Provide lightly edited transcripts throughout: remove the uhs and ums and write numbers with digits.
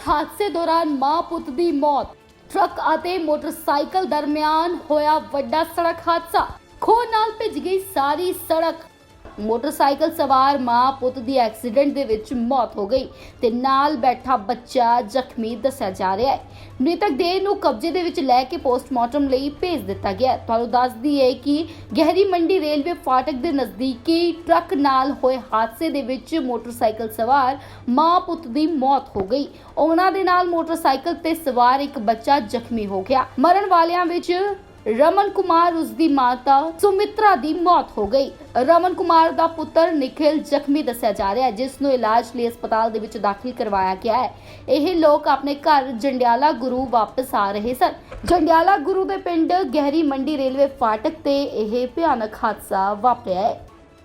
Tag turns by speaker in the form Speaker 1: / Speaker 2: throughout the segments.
Speaker 1: ਹਾਦਸੇ ਦੌਰਾਨ ਮਾਂ ਪੁੱਤ ਦੀ ਮੌਤ। ਟਰੱਕ ਅਤੇ ਮੋਟਰਸਾਈਕਲ ਦਰਮਿਆਨ ਹੋਇਆ ਵੱਡਾ ਸੜਕ ਹਾਦਸਾ। ਖੋਹ ਨਾਲ ਭਿੱਜ ਗਈ ਸਾਰੀ ਸੜਕ। ਮੋਟਰਸਾਈਕਲ ਸਵਾਰ ਮਾਂ ਪੁੱਤ ਦੀ ਐਕਸੀਡੈਂਟ ਦੇ ਵਿੱਚ ਮੌਤ ਹੋ ਗਈ ਤੇ ਨਾਲ ਬੈਠਾ ਬੱਚਾ ਜ਼ਖਮੀ ਦੱਸਿਆ ਜਾ ਰਿਹਾ ਹੈ। ਮ੍ਰਿਤਕ ਦੇਹ ਨੂੰ ਕਬਜ਼ੇ ਦੇ ਵਿੱਚ ਲੈ ਕੇ ਪੋਸਟਮਾਰਟਮ ਲਈ ਭੇਜ ਦਿੱਤਾ ਗਿਆ। ਤੁਹਾਨੂੰ ਦੱਸ ਦਈਏ ਕਿ ਗਹਿਰੀ ਮੰਡੀ ਰੇਲਵੇ ਫਾਟਕ ਦੇ ਨਜ਼ਦੀਕੀ ਟਰੱਕ ਨਾਲ ਹੋਏ ਹਾਦਸੇ ਦੇ ਵਿੱਚ ਮੋਟਰਸਾਈਕਲ ਸਵਾਰ ਮਾਂ ਪੁੱਤ ਦੀ ਮੌਤ ਹੋ ਗਈ। ਉਹਨਾਂ ਦੇ ਨਾਲ ਮੋਟਰਸਾਈਕਲ ਤੇ ਸਵਾਰ ਇੱਕ ਬੱਚਾ ਜ਼ਖਮੀ ਹੋ ਗਿਆ। ਮਰਨ ਵਾਲਿਆਂ ਵਿੱਚ ਰਮਨ ਕੁਮਾਰ, ਉਸ ਦੀ ਮਾਤਾ ਸੁਮਿਤਰਾ ਦੀ ਮੌਤ ਹੋ ਗਈ। ਰਮਨ ਕੁਮਾਰ ਦਾ ਪੁੱਤਰ ਨਿਖਿਲ ਜ਼ਖਮੀ ਦੱਸਿਆ ਜਾ ਰਿਹਾ ਹੈ, ਜਿਸ ਨੂੰ ਇਲਾਜ ਲਈ ਹਸਪਤਾਲ ਦੇ ਵਿੱਚ ਦਾਖਲ ਕਰਵਾਇਆ ਗਿਆ ਹੈ। ਇਹ ਲੋਕ ਆਪਣੇ ਘਰ ਜੰਡਿਆਲਾ ਗੁਰੂ ਵਾਪਸ ਆ ਰਹੇ ਸਨ। ਜੰਡਿਆਲਾ ਗੁਰੂ ਦੇ ਪਿੰਡ ਗਹਿਰੀ ਮੰਡੀ ਰੇਲਵੇ ਫਾਟਕ ਤੇ ਇਹ ਭਿਆਨਕ ਹਾਦਸਾ ਵਾਪਰਿਆ ਹੈ।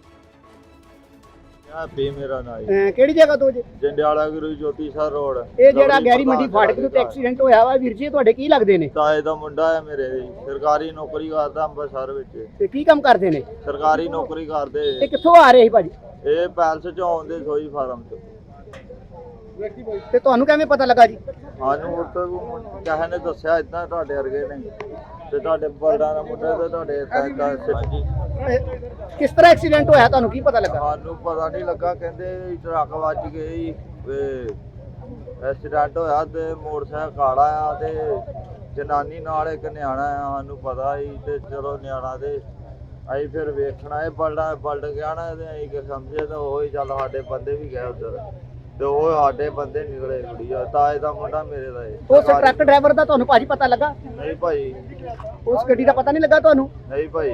Speaker 2: ਮੇਰਾ ਨਾਮ ਹੈ।
Speaker 3: ਕਿਹੜੀ ਜਗ੍ਹਾ ਤੋਂ ਜੀ?
Speaker 2: ਜੰਡਿਆਲਾ ਗੁਰੂ ਜੋਤੀ ਸਰ ਰੋਡ।
Speaker 3: ਇਹ ਜਿਹੜਾ ਗਹਿਰੀ ਮੰਡੀ ਫਾਟਕ ਦੇ ਉੱਤੇ ਐਕਸੀਡੈਂਟ ਹੋਇਆ ਵਾ ਵੀਰ ਜੀ, ਤੁਹਾਡੇ ਕੀ ਲੱਗਦੇ ਨੇ?
Speaker 2: ਤਾਏ ਦਾ ਮੁੰਡਾ ਹੈ ਮੇਰੇ, ਸਰਕਾਰੀ ਨੌਕਰੀ ਕਰਦਾ ਅੰਮ੍ਰਿਤਸਰ ਵਿੱਚ।
Speaker 3: ਤੇ ਕੀ ਕੰਮ ਕਰਦੇ ਨੇ?
Speaker 2: ਸਰਕਾਰੀ ਨੌਕਰੀ ਕਰਦੇ।
Speaker 3: ਇਹ ਕਿੱਥੋਂ ਆ ਰਹੇ ਸੀ ਭਾਜੀ?
Speaker 2: ਇਹ ਪੈਲਸ ਚੋਂ ਆਉਂਦੇ ਸੋਈ ਫਾਰਮ ਤੋਂ।
Speaker 3: ਤੇ ਤੁਹਾਨੂੰ ਕਿਵੇਂ ਪਤਾ ਲੱਗਾ ਜੀ?
Speaker 2: ਸਾਨੂੰ ਉੱਥੇ ਕਿਸੇ ਨੇ ਦੱਸਿਆ ਇਦਾਂ ਤੁਹਾਡੇ ਵਰਗੇ ਨੇ ਤੇ ਤੁਹਾਡੇ ਬਲਦਾਂ ਦਾ ਮੁੰਡਾ ਤੇ ਤੁਹਾਡੇ ਹਾਂਜੀ।
Speaker 3: ਕਿਸ ਤਰ੍ਹਾਂ ਐਕਸੀਡੈਂਟ ਹੋਇਆ, ਤੁਹਾਨੂੰ ਕੀ ਪਤਾ ਲੱਗਾ?
Speaker 2: ਸਾਨੂੰ ਪਤਾ ਨਹੀਂ ਲੱਗਾ, ਕਹਿੰਦੇ ਟਰੱਕ ਵੱਜ ਗਈ, ਐਕਸੀਡੈਂਟ ਹੋਇਆ ਤੇ ਮੋਟਰਸਾਈਕਲ ਕਾਲਾ ਆ ਤੇ ਜਨਾਨੀ ਨਾਲ ਇੱਕ ਨਿਆਣਾ ਆ। ਸਾਨੂੰ ਪਤਾ ਹੀ ਤੇ ਚਲੋ ਨਿਆਣਾ ਤੇ ਅਸੀਂ ਫਿਰ ਵੇਖਣਾ ਇਹ ਬਲਡ ਗਿਆ ਨਾ ਤੇ ਅਸੀਂ ਕਿ ਸਮਝੇ ਤਾਂ ਉਹ ਹੀ ਚੱਲ ਸਾਡੇ ਬੰਦੇ ਵੀ ਗਏ ਉੱਧਰ ਤੇ ਉਹ ਸਾਡੇ ਬੰਦੇ ਨਿਕਲੇ। ਕੁੜੀਆ ਤਾਏ ਦਾ ਮੁੰਡਾ ਮੇਰੇ ਦਾ।
Speaker 3: ਉਸ ਟਰੱਕ ਡਰਾਈਵਰ ਦਾ ਤੁਹਾਨੂੰ ਭਾਜੀ ਪਤਾ ਲੱਗਾ?
Speaker 2: ਨਹੀਂ ਭਾਈ,
Speaker 3: ਉਸ ਗੱਡੀ ਦਾ ਪਤਾ ਨਹੀਂ ਲੱਗਾ ਤੁਹਾਨੂੰ?
Speaker 2: ਨਹੀਂ ਭਾਈ,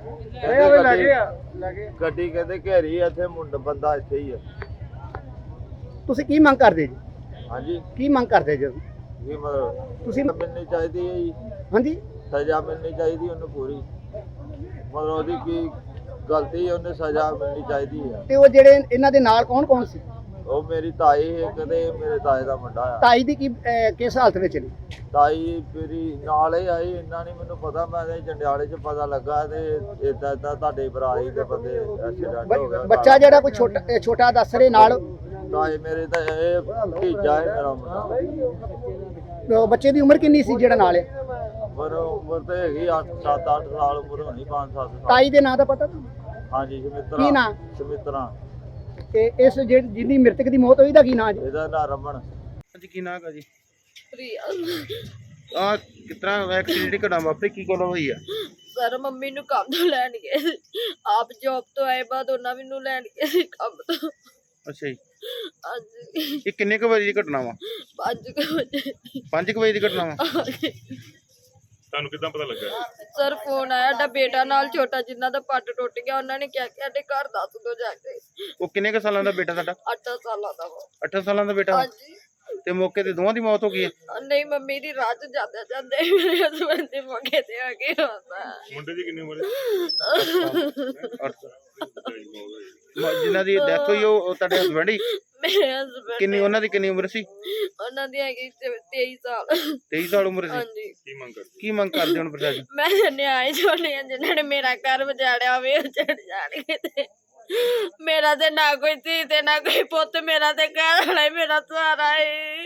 Speaker 2: ਗੱਡੀ ਕਹਿੰਦੇ ਘੇਰੀ ਇੱਥੇ ਮੁੰਡਾ ਬੰਦਾ ਇੱਥੇ ਹੀ ਆ।
Speaker 3: ਤੁਸੀਂ ਕੀ ਮੰਗ ਕਰਦੇ ਜੀ?
Speaker 2: ਹਾਂਜੀ,
Speaker 3: ਕੀ ਮੰਗ ਕਰਦੇ ਜੀ
Speaker 2: ਕੀ ਮਤਲਬ
Speaker 3: ਤੁਸੀਂ?
Speaker 2: ਮਿਲਣੀ ਚਾਹੀਦੀ ਹੈ ਜੀ,
Speaker 3: ਹਾਂਜੀ,
Speaker 2: ਸਜ਼ਾ ਮਿਲਣੀ ਚਾਹੀਦੀ ਉਹਨੂੰ ਪੂਰੀ। ਮਤਲਬ ਉਹਦੀ ਕੀ ਗਲਤੀ, ਉਹਨੇ ਸਜ਼ਾ ਮਿਲਣੀ ਚਾਹੀਦੀ ਹੈ।
Speaker 3: ਤੇ ਉਹ ਜਿਹੜੇ ਇਹਨਾਂ ਦੇ ਨਾਲ ਕੌਣ ਕੌਣ ਸੀ?
Speaker 2: ਉਹ ਮੇਰੀ ਤਾਈ ਇੱਕ ਤੇ ਮੇਰੇ ਤਾਏ ਦਾ ਮੁੰਡਾ ਆ।
Speaker 3: ਤਾਈ ਦੀ ਕੀ ਕਿਸ ਹਾਲਤ ਵਿੱਚ ਨੇ?
Speaker 2: ਤਾਈ ਮੇਰੀ ਨਾਲ ਹੀ ਆਈ, ਇੰਨਾ ਨਹੀਂ ਮੈਨੂੰ ਪਤਾ। ਮੈਂ ਤੇ ਜੰਡਿਆਲੇ 'ਚ ਪਤਾ ਲੱਗਾ ਤੇ ਏਦਾਂ ਤੁਹਾਡੇ ਭਰਾਈ ਦੇ ਬੰਦੇ ਐਕਸੀਡੈਂਟ ਹੋ ਗਿਆ।
Speaker 3: ਬੱਚਾ ਜਿਹੜਾ ਕੋਈ ਛੋਟਾ ਦੱਸ ਰਹੇ ਨਾਲ,
Speaker 2: ਤਾਏ ਮੇਰੇ ਤਾਂ ਇਹ ਭਤੀਜਾ ਹੈ ਮੇਰਾ ਮੁੰਡਾ।
Speaker 3: ਉਹ ਬੱਚੇ ਦੀ ਉਮਰ ਕਿੰਨੀ ਸੀ ਜਿਹੜਾ ਨਾਲ ਹੈ?
Speaker 2: ਉਮਰ ਤੇ ਹੈਗੀ 7-8 ਸਾਲ ਉਮਰ ਹੋਣੀ, 5-7 ਸਾਲ।
Speaker 3: ਤਾਈ ਦੇ ਨਾਂ ਦਾ ਪਤਾ ਤੁਹਾਨੂੰ?
Speaker 2: ਹਾਂਜੀ, ਸੁਮਿਤਰਾ।
Speaker 3: ਕੀ ਨਾਂ?
Speaker 2: ਸੁਮਿਤਰਾ।
Speaker 3: ਤੇ ਇਸ ਜਿਹਦੀ ਮ੍ਰਿਤਕ ਦੀ ਮੌਤ ਹੋਈ ਦਾ ਕੀ ਨਾਂ ਜੀ?
Speaker 2: ਇਹਦਾ ਨਾਂ ਰਮਨ।
Speaker 4: ਹਾਂਜੀ, ਕੀ ਨਾਂ ਹੈ ਜੀ?
Speaker 5: ਪ੍ਰਿਆ।
Speaker 4: ਆ ਕਿਤਨਾ ਐਕਸੀਡੈਂਟ ਘਟਨਾ ਵਾਪਰੀ, ਕੀ ਗੱਲ ਹੋਈ ਆ?
Speaker 5: ਸਰ ਮੰਮੀ ਨੂੰ ਕੰਮ ਤੋਂ ਲੈਣ ਗਏ ਸੀ। ਆਪ ਜੌਬ ਤੋਂ ਆਏ ਬਾਅਦ ਉਹਨਾਂ ਮੈਨੂੰ ਲੈਣ ਗਏ ਸੀ ਕੰਮ ਤੋਂ।
Speaker 4: ਅੱਛਾ ਜੀ,
Speaker 5: ਹਾਂਜੀ,
Speaker 4: ਇਹ ਕਿੰਨੇ ਕੁ ਵਜੇ ਦੀ ਘਟਨਾ ਵਾ?
Speaker 5: 5 ਵਜੇ।
Speaker 4: 5 ਵਜੇ ਦੀ ਘਟਨਾ ਵਾ?
Speaker 6: ਤੁਹਾਨੂੰ ਕਿੱਦਾਂ ਪਤਾ ਲੱਗਾ?
Speaker 5: ਸਰ ਫੋਨ ਆਇਆ, ਸਾਡਾ ਬੇਟਾ ਨਾਲ ਛੋਟਾ ਜਿੰਨਾ ਦਾ ਪੱਟ ਟੁੱਟ ਗਿਆ, ਉਹਨਾਂ ਨੇ ਕਿਹਾ ਕਿ ਸਾਡੇ ਘਰ ਦੱਸ ਦੋ ਜਾ ਕੇ।
Speaker 4: ਉਹ ਕਿੰਨੇ ਕੁ ਸਾਲਾਂ ਦਾ ਬੇਟਾ ਤੁਹਾਡਾ?
Speaker 5: 8 ਸਾਲਾਂ ਦਾ ਵਾ।
Speaker 4: 8 ਸਾਲਾਂ ਦਾ ਬੇਟਾ?
Speaker 5: ਹਾਂਜੀ।
Speaker 4: ਤੇ ਮੌਕੇ ਤੇ ਦੋਵਾਂ ਦੀ ਮੌਤ ਹੋ ਗਈ ਹੈ?
Speaker 5: ਨਹੀਂ, ਮੰਮੀ ਦੀ ਰਾਤ ਜਾਂਦੇ ਜਾਂਦੇ ਮੇਰੇ ਹਸਬੰਦ ਦੇ ਮੌਕੇ ਤੇ ਆ ਕੇ ਹੁੰਦਾ।
Speaker 6: ਮੁੰਡੇ ਦੀ ਕਿੰਨੀ ਉਮਰ ਹੈ?
Speaker 4: ਜਿਨ੍ਹਾਂ ਦੀ ਡੈਥ ਹੋਈ ਉਹ ਤੁਹਾਡੇ ਹਸਬੰਡ ਹੀ?
Speaker 5: ਮੇਰੇ ਹਸਬੰਦ
Speaker 4: ਕਿੰਨੀ, ਉਹਨਾਂ ਦੀ ਕਿੰਨੀ ਉਮਰ ਸੀ?
Speaker 5: ਉਹਨਾਂ ਦੀ ਹੈਗੀ 23 ਸਾਲ।
Speaker 4: 23 ਸਾਲ ਉਮਰ ਸੀ?
Speaker 5: ਹਾਂਜੀ।
Speaker 4: ਕੀ ਮੰਗ ਕਰਦੇ ਹੁਣ ਪ੍ਰਸ਼ਾਸਨ?
Speaker 5: ਮੈਂ ਨਿਆਏ ਛੋਲੇ ਜਿਨ੍ਹਾਂ ਨੇ ਮੇਰਾ ਘਰ ਵਜਾੜਿਆ ਹੋਵੇ ਉਹ ਚੜ ਜਾਣਗੇ। ਤੇ ਮੇਰਾ ਤੇ ਨਾ ਕੋਈ ਧੀ ਤੇ ਨਾ ਕੋਈ ਪੁੱਤ, ਮੇਰਾ ਤੇ ਘਰ ਵਾਲਾ ਹੀ ਮੇਰਾ ਸਹਾਰਾ ਹੈ।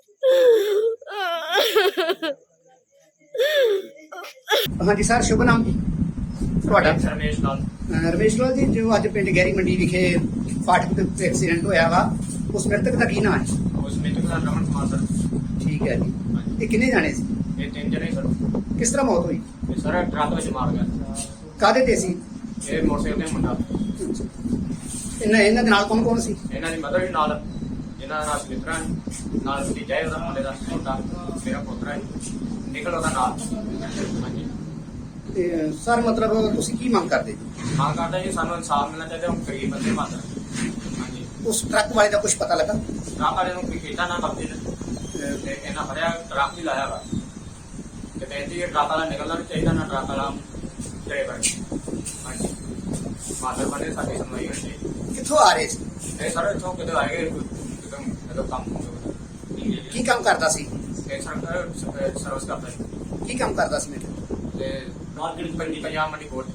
Speaker 3: ਹਾਂਜੀ ਸਰ, ਸ਼ੁਭ ਨਾਮ ਜੀ ਤੁਹਾਡਾ?
Speaker 7: ਰਮੇਸ਼ ਲਾਲ।
Speaker 3: ਰਮੇਸ਼ ਲਾਲ ਜੀ, ਜੋ ਅੱਜ ਪਿੰਡ ਗਹਿਰੀ ਮੰਡੀ ਵਿਖੇ ਫਾਟਕ ਦੇ ਉੱਤੇ ਐਕਸੀਡੈਂਟ ਹੋਇਆ ਵਾ, ਉਸ ਮ੍ਰਿਤਕ ਦਾ ਕੀ ਨਾਮ ਹੈ?
Speaker 7: ਉਸ ਮ੍ਰਿਤਕ ਦਾ ਰਮਨ ਕੁਮਾਰ ਸਰ।
Speaker 3: ਠੀਕ ਹੈ ਜੀ। ਇਹ ਕਿੰਨੇ ਜਾਣੇ ਸੀ?
Speaker 7: ਇਹ 3 ਜਣੇ ਸਰ।
Speaker 3: ਕਿਸ ਤਰ੍ਹਾਂ ਮੌਤ ਹੋਈ?
Speaker 7: ਇਹ ਸਰ ਟਰੱਕ ਵਿੱਚ ਮਾਰ ਗਿਆ।
Speaker 3: ਕਾਹਦੇ ਤੇ ਸੀ?
Speaker 7: ਇਹ ਮੋਟਰਸਾਈਕਲ ਤੇ ਮੁੰਡਾ।
Speaker 3: ਇਹਨਾਂ ਦੇ ਨਾਲ ਕੌਣ ਕੌਣ ਸੀ?
Speaker 7: ਇਹਨਾਂ ਦੀ ਮਦਰ ਵੀ ਨਾਲ, ਇਹਨਾਂ ਦਾ ਨਾਮ ਸੁਮਿਤਰਾ ਹੈ, ਨਾਲ ਭਤੀਜਾ ਹੈ ਉਹਦਾ, ਮੁੰਡੇ ਦਾ ਛੋਟਾ ਮੇਰਾ ਪੁੱਤਰ ਹੈ, ਨਿਕਲ ਉਹਦਾ ਨਾਲ। ਹਾਂਜੀ।
Speaker 3: ਤੇ ਸਰ ਮਤਲਬ ਤੁਸੀਂ ਕੀ ਮੰਗ ਕਰਦੇ ਜੀ?
Speaker 7: ਮੰਗ ਕਰਦਾ ਜੀ ਸਾਨੂੰ ਇਨਸਾਫ ਮਿਲਣਾ ਚਾਹੀਦਾ। ਹੁਣ ਗਰੀਬ ਬੰਦੇ ਮਾਤਰ। ਹਾਂਜੀ।
Speaker 3: ਉਸ ਟਰੱਕ ਵਾਲੇ ਦਾ ਕੁਝ ਪਤਾ ਲੱਗਾ?
Speaker 7: ਟਰੱਕ ਵਾਲੇ ਨੂੰ ਕੋਈ ਕੀਤਾ ਨਾ ਕਬਜ਼ੇ ਤੇ ਇਹਨਾਂ ਫੜਿਆ, ਟਰੱਕ ਵੀ ਲਾਇਆ ਵਾ ਤੇ ਕਹਿੰਦੀ ਇਹ ਟਰੱਕ ਵਾਲਾ ਨਿਕਲਣਾ ਨਹੀਂ ਚਾਹੀਦਾ, ਨਾ ਟਰੱਕ ਵਾਲਾ ਡਰਾਈਵਰ। ਹਾਂਜੀ। ਮਾਤਰ ਬਣੇ ਸਾਡੀ ਸੁਣਵਾਈ ਹੋਣੀ ਚਾਹੀਦੀ।
Speaker 3: ਕਿੱਥੋਂ ਆ ਰਹੇ ਸੀ?
Speaker 7: ਇਹ ਸਾਰੇ ਇੱਥੋਂ ਕਿਤੇ ਆਏਗੇ ਜਦੋਂ ਕੰਮ
Speaker 3: ਕੀ ਕੰਮ ਕਰਦਾ ਸੀ?
Speaker 7: ਇਹ ਸਰਵਿਸ ਕਰਦਾ ਹੈ।
Speaker 3: ਕੀ ਕੰਮ ਕਰਦਾ ਸੀ ਮੇਰੇ?
Speaker 7: ਤੇ ਮਾਰਕੀਟ ਪੰਜਾਬ ਮੰਡੀ ਕੋਲ।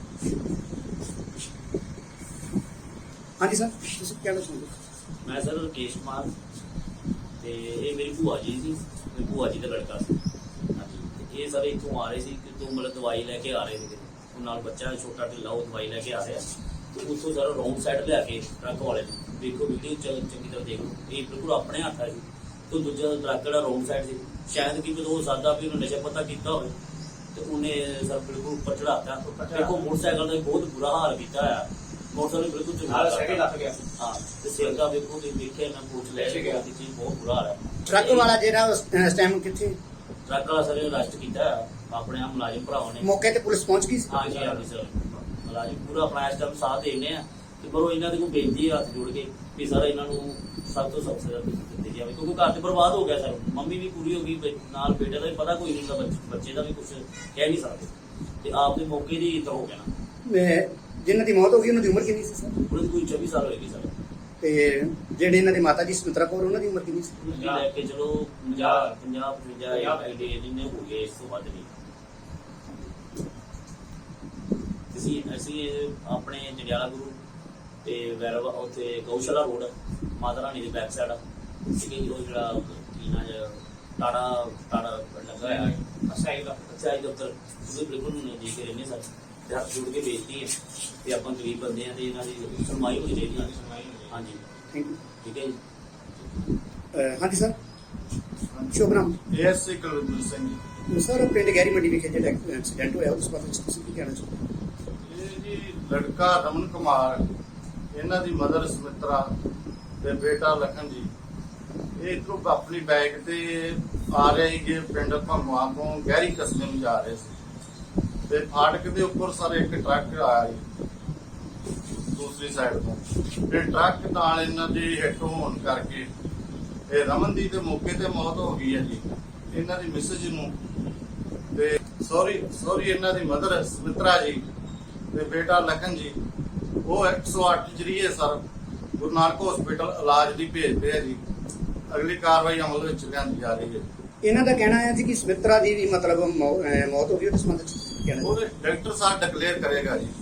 Speaker 3: ਹਾਂਜੀ ਸਰ, ਤੁਸੀਂ ਕਹਿਣਾ ਚਾਹੁੰਦੇ?
Speaker 8: मैं सर राकेश कुमार ते ਤੇ ਇਹ ਮੇਰੀ ਭੂਆ ਜੀ ਸੀ, ਮੇਰੀ ਭੂਆ ਜੀ ਦਾ ਲੜਕਾ ਸੀ। ਹਾਂਜੀ, ਤੇ ਇਹ ਸਾਰੇ ਇੱਥੋਂ ਆ ਰਹੇ ਸੀ ਕਿ ਤੋਂ ਮਤਲਬ ਦਵਾਈ ਲੈ ਕੇ ਆ ਰਹੇ ਸੀ, ਉਹ ਨਾਲ ਬੱਚਾ ਛੋਟਾ ਢਿੱਲਾ ਉਹ ਦਵਾਈ ਲੈ ਕੇ ਆ ਰਿਹਾ, ਤੇ ਉੱਥੋਂ ਸਾਰਾ ਰੌਂਗ ਸਾਈਡ ਲਿਆ ਕੇ ਟਰੱਕ ਵਾਲੇ ਨੇ, ਦੇਖੋ ਵੀਡੀਓ ਚੰਗੀ ਤਰ੍ਹਾਂ ਦੇਖ ਲਓ, ਇਹ ਬਿਲਕੁਲ ਆਪਣੇ ਹੱਥ ਆ ਜੀ। ਤੇ ਦੂਜਾ ਟਰੱਕ ਜਿਹੜਾ ਰੌਂਗ ਸਾਈਡ ਸੀ, ਸ਼ਾਇਦ ਕਿ ਹੋ ਸਕਦਾ ਵੀ ਉਹਨੇ ਨਸ਼ਾ ਪਤਾ ਕੀਤਾ ਹੋਵੇ, ਤੇ ਉਹਨੇ ਸਰ ਬਿਲਕੁਲ ਉੱਪਰ ਚੜਾਤਾ। ਦੇਖੋ ਮੋਟਰਸਾਈਕਲ ਦਾ ਬਹੁਤ ਬੁਰਾ ਹਾਲ ਕੀਤਾ ਹੋਇਆ, ਮੋਟਰਸਾਈਕਲ ਬਿਲਕੁਲ
Speaker 7: ਲੱਗ ਗਿਆ।
Speaker 8: ਹਾਂ, ਤੇ ਸਿਰ ਦਾ ਵੇਖੋ ਤੁਸੀਂ ਦੇਖਿਆ ਮੈਂ ਪੁੱਛ ਲਿਆ ਸੀ, ਬਹੁਤ ਬੁਰਾ ਹਾਲ ਹੈ।
Speaker 3: ਟਰੱਕ ਵਾਲਾ ਜਿਹੜਾ ਉਸ ਟਾਈਮ ਕਿੱਥੇ?
Speaker 8: ਟਰੱਕ ਵਾਲਾ ਸਰ ਅਰੈਸਟ ਕੀਤਾ ਹੋਇਆ, ਆਪਣੇ ਆਪ ਮੁਲਾਜ਼ਮ ਭਰਾਵਾਂ ਨੇ।
Speaker 3: ਮੌਕੇ ਤੇ ਪੁਲਿਸ ਪਹੁੰਚ ਗਈ ਸੀ?
Speaker 8: ਹਾਂਜੀ ਹਾਂਜੀ ਸਰ, ਮੁਲਾਜ਼ਮ ਪੂਰਾ ਆਪਣਾ ਇਸ ਟਾਈਮ ਸਾਥ ਦੇਣੇ ਆ, ਤੇ ਪਰ ਉਹ ਇਹਨਾਂ ਦੇ ਕੋਲ ਬੇਨਤੀ ਹੈ ਹੱਥ ਜੋੜ ਕੇ ਵੀ ਸਰ ਇਹਨਾਂ ਨੂੰ ਸਭ ਤੋਂ ਸਖਤ ਸਜ਼ਾ ਦਿੱਤੀ ਜਾਵੇ, ਕਿਉਂਕਿ ਘਰ ਤੇ ਬਰਬਾਦ ਹੋ ਗਿਆ ਸਰ, ਮੰਮੀ ਵੀ ਪੂਰੀ ਹੋ ਗਈ, ਨਾਲ ਬੇਟੇ ਦਾ ਵੀ ਪਤਾ ਕੋਈ ਨਹੀਂ ਹੁੰਦਾ, ਬੱਚੇ ਦਾ ਵੀ ਕੁਝ ਕਹਿ ਨਹੀਂ ਸਕਦੇ, ਤੇ ਆਪ ਦੇ ਮੌਕੇ ਦੀ ਇੱਦਾਂ ਹੋ ਗਿਆ ਨਾ।
Speaker 3: ਜਿਨ੍ਹਾਂ ਦੀ ਮੌਤ ਹੋ ਗਈ ਉਹਨਾਂ ਦੀ ਉਮਰ ਕਿੰਨੀ ਸੀ ਸਰ?
Speaker 8: ਉਹਨਾਂ ਦੀ ਕੋਈ 24 ਸਾਲ ਹੋਏਗੀ ਸਰ।
Speaker 3: ਤੇ ਜਿਹੜੇ ਇਹਨਾਂ ਦੇ ਮਾਤਾ ਜੀ ਸੁਮਿਤਰਾ ਕੌਰ ਉਹਨਾਂ ਦੀ ਉਮਰ ਕਿੰਨੀ ਸੀ?
Speaker 8: ਤੁਸੀਂ ਲੈ ਕੇ ਚਲੋ 50 55 ਜਿੰਨੇ ਹੋ ਗਏ, ਇਸ ਤੋਂ ਵੱਧ ਨਹੀਂ। ਅਸੀਂ ਆਪਣੇ ਜੰਡਿਆਲਾ ਗੁਰੂ ਤੇ ਵੈਰਵ ਉੱਥੇ ਗਊਸ਼ਾਲਾ ਰੋਡ ਮਾਤਾ ਰਾਣੀ ਦੇ ਬੈਕ ਸਾਈਡ ਠੀਕ ਹੈ ਜੀ, ਉਹ ਜਿਹੜਾ ਕੀਨਾ ਟਾੜਾ ਲੱਗਾ ਹੋਇਆ ਅਸਾਈ ਦਫ਼ਤਰ, ਉਹਦੇ ਬਿਲਕੁਲ ਨਜ਼ਦੀਕ ਰਹਿੰਦੇ ਸਰ, ਤੇ ਹੱਥ ਜੋੜ ਕੇ ਬੇਨਤੀ ਹੈ ਤੇ ਆਪਾਂ ਗਰੀਬ ਬੰਦੇ ਆ ਤੇ ਇਹਨਾਂ ਦੀ ਸੁਣਵਾਈ ਹੋਣੀ ਚਾਹੀਦੀ ਹੈ। ਹਾਂਜੀ
Speaker 3: ਥੈਂਕ ਯੂ।
Speaker 8: ਠੀਕ ਹੈ ਜੀ।
Speaker 3: ਹਾਂਜੀ ਸਰ, ਸ਼ੁਭ ਨਾਮ?
Speaker 9: ਐਸਏ ਕੁਲਵਿੰਦਰ ਸਿੰਘ ਜੀ।
Speaker 3: ਸਰ, ਪਿੰਡ ਗਹਿਰੀ ਮੰਡੀ ਵਿਖੇ ਜਿਹੜਾ ਐਕਸੀਡੈਂਟ ਹੋਇਆ ਉਸ ਬਾਰੇ ਤੁਸੀਂ ਕੀ ਕਹਿਣਾ ਚਾਹੁੰਦੇ?
Speaker 9: ਇਹ ਜੀ ਲੜਕਾ ਰਮਨ ਕੁਮਾਰ, ਇਹਨਾਂ ਦੀ ਮਦਰ ਸੁਮਿਤਰਾ ਤੇ ਬੇਟਾ ਲਖਨ ਜੀ, ਇਹ ਇੱਥੋਂ ਆਪਣੀ ਬਾਈਕ ਤੇ ਆ ਰਹੇ ਸੀਗੇ ਪਿੰਡ ਭੰਗਵਾ ਤੋਂ ਗਹਿਰੀ ਕਸਬੇ ਨੂੰ ਜਾ ਰਹੇ ਸੀ, ਤੇ ਫਾਟਕ ਦੇ ਉੱਪਰ ਸਰ ਇੱਕ ਟਰੱਕ ਆਇਆ ਜੀ ਦੂਸਰੀ ਸਾਈਡ ਤੋਂ, ਤੇ ਟਰੱਕ ਨਾਲ ਇਹਨਾਂ ਦੀ ਹਿੱਟ ਹੋਣ ਕਰਕੇ ਇਹ ਰਮਨ ਦੀ ਤੇ ਮੌਕੇ ਤੇ ਮੌਤ ਹੋ ਗਈ ਹੈ ਜੀ। ਇਹਨਾਂ ਦੀ ਮਿਸਜ ਨੂੰ ਤੇ ਸੌਰੀ ਇਹਨਾਂ ਦੀ ਮਦਰ ਸੁਮਿਤਰਾ ਜੀ ਤੇ ਬੇਟਾ ਲਖਨ ਜੀ, ਉਹ 108 ਜਰੀਏ ਸਰ ਗੁਰੂ ਨਾਨਕ ਹਸਪੀਟਲ ਇਲਾਜ ਲਈ ਭੇਜਦੇ ਆ ਜੀ। ਅਗਲੀ ਕਾਰਵਾਈ ਅਮਲ ਵਿੱਚ ਲਿਆਂਦੀ ਜਾ ਰਹੀ ਹੈ।
Speaker 3: ਇਹਨਾਂ ਦਾ ਕਹਿਣਾ ਹੈ ਜੀ ਕਿ ਸੁਮਿਤਰਾ ਦੀ ਵੀ ਮਤਲਬ ਮੌਤ ਹੋ ਗਈ, ਉਹਦੇ ਸੰਬੰਧ ਵਿੱਚ ਕਹਿਣਾ?
Speaker 9: ਉਹਦੇ ਡਾਕਟਰ ਸਾਹਿਬ ਡਿਕਲੇਅਰ ਕਰੇਗਾ ਜੀ।